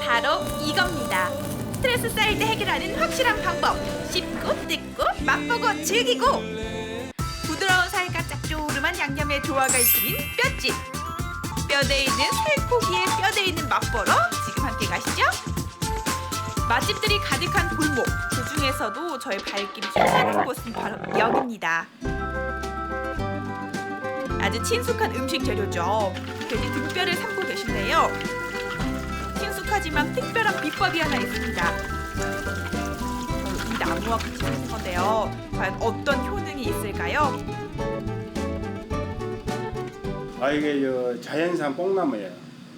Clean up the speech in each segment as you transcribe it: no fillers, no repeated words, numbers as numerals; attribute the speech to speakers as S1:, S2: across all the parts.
S1: 바로 이겁니다. 스트레스 쌓일 때 해결하는 확실한 방법. 씹고 뜯고 맛보고 즐기고. 부드러운 살과 짭조름한 양념의 조화가 이끌인 뼈찜. 뼈대에 있는 살코기에 뼈대에 있는 맛보러 지금 함께 가시죠. 맛집들이 가득한 골목. 그 중에서도 저의 발길이 향하는 곳은 바로 여기입니다. 아주 친숙한 음식 재료죠. 돼지 등뼈를 삶고 계신데요. 친숙하지만 특별한 비법이 하나 있습니다. 이 나무와 같이 하는 건데요. 과연 어떤 효능이 있을까요?
S2: 이게 자연산 뽕나무예요.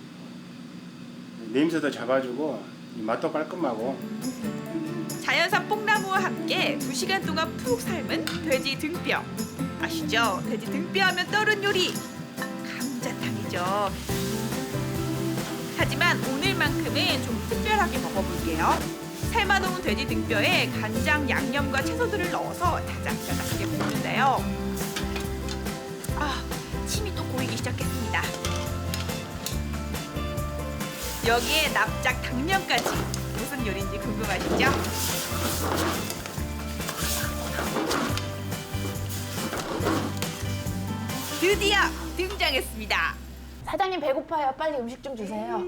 S2: 냄새도 잡아주고 맛도 깔끔하고.
S1: 자연산 뽕나무와 함께 2시간 동안 푹 삶은 돼지 등뼈. 아시죠? 돼지 등뼈 하면 떠오른 요리 감자탕이죠. 하지만 오늘만큼은 좀 특별하게 먹어볼게요. 삶아놓은 돼지 등뼈에 간장, 양념과 채소들을 넣어서 자작자작하게 볶는데요. 침이 또 고이기 시작했습니다. 여기에 납작 당면까지. 무슨 요리인지 궁금하시죠? 드디어 등장했습니다.
S3: 사장님 배고파요. 빨리 음식 좀 주세요.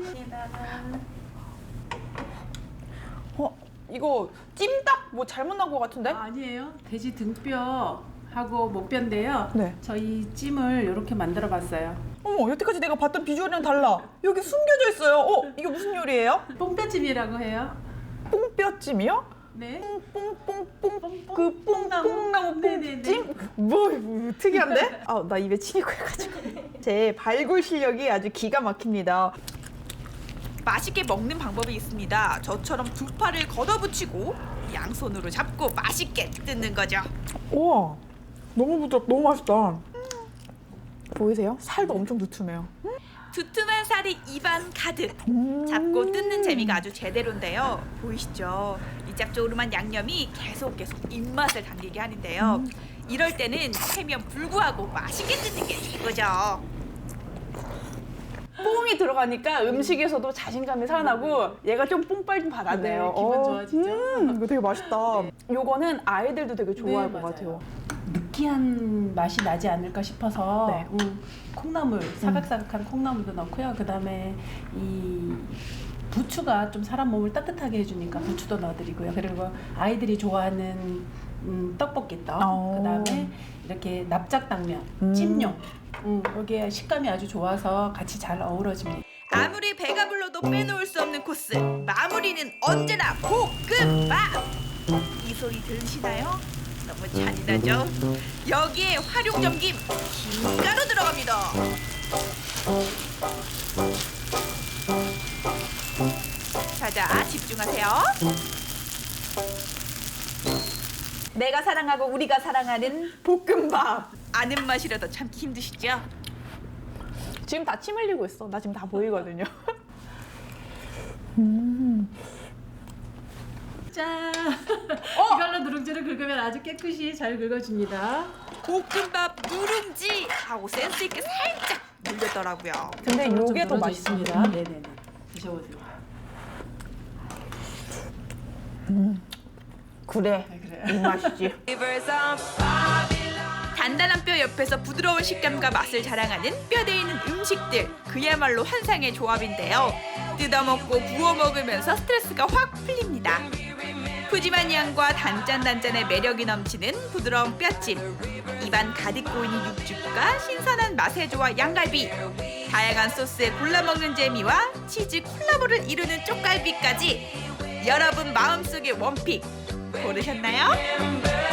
S4: 이거 찜닭 뭐 잘못 나온 것 같은데?
S5: 아니에요. 돼지 등뼈하고 목뼈인데요.
S4: 네.
S5: 저희 찜을 이렇게 만들어 봤어요.
S4: 어머, 여태까지 내가 봤던 비주얼이랑 달라. 여기 숨겨져 있어요. 이게 무슨 요리예요?
S5: 뽕뼈찜이라고 해요.
S4: 뽕뼈찜이요?
S5: 네.
S4: 뽕뽕뽕뽕 그 뽕나무
S5: 네네네.
S4: 뽕찜? 뭐 특이한데? 나 입에 침이 고여가지고. 제 발굴 실력이 아주 기가 막힙니다.
S1: 맛있게 먹는 방법이 있습니다. 저처럼 두 팔을 걷어붙이고 양손으로 잡고 맛있게 뜯는 거죠.
S4: 우와, 너무 부드럽, 너무 맛있다. 보이세요? 살도 엄청 두툼해요.
S1: 두툼한 살이 입안 가득. 잡고 뜯는 재미가 아주 제대로인데요. 보이시죠? 이 짭조름한 양념이 계속 입맛을 당기게 하는데요. 이럴 때는 체면 불구하고 맛있게 뜯는 게 최고죠.
S4: 뽕이 들어가니까 음식에서도 자신감이 살아나고 얘가 좀 뽕빨 좀 받았네요.
S5: 네, 기분 좋아지죠?
S4: 이거 되게 맛있다.
S5: 네.
S4: 요거는 아이들도 되게 좋아할
S5: 네,
S4: 것
S5: 맞아요.
S4: 같아요.
S5: 느끼한 맛이 나지 않을까 싶어서
S4: 네.
S5: 콩나물, 사각사각한 콩나물도 넣고요. 그다음에 이 부추가 좀 사람 몸을 따뜻하게 해주니까 부추도 넣어드리고요. 그리고 아이들이 좋아하는 떡볶이떡, 그다음에 이렇게 납작당면, 찜용. 여기에 식감이 아주 좋아서 같이 잘 어우러집니다.
S1: 아무리 배가 불러도 빼놓을 수 없는 코스. 마무리는 언제나 볶음밥. 이 소리 들으시나요? 너무 잔인하죠? 여기에 활용점김 김가루 들어갑니다. 자자, 집중하세요.
S4: 내가 사랑하고 우리가 사랑하는 볶음밥.
S1: 아는 맛이라도 참기 힘드시죠?
S4: 지금 다 침 흘리고 있어. 나 지금 다 보이거든요.
S5: 짠! 이걸로 누룽지를 긁으면 아주 깨끗이 잘 긁어줍니다.
S1: 볶음밥 누룽지 하고 센스 있게 살짝 물렸더라고요.
S4: 근데
S5: 좀
S4: 요게 더
S5: 늘어져
S4: 맛있습니다.
S5: 있습니다. 네네네. 드셔보세요.
S4: 그래,
S5: 네, 그래요.
S4: 이 맛이지.
S1: 단단한 뼈 옆에서 부드러운 식감과 맛을 자랑하는 뼈대 있는 음식들. 그야말로 환상의 조합인데요. 뜯어먹고 구워 먹으면서 스트레스가 확 풀립니다. 푸짐한 양과 단짠단짠의 매력이 넘치는 부드러운 뼈찜. 입안 가득 고이는 육즙과 신선한 맛의 조화 양갈비. 다양한 소스에 골라 먹는 재미와 치즈 콜라보를 이루는 쪽갈비까지. 여러분 마음속의 원픽 고르셨나요?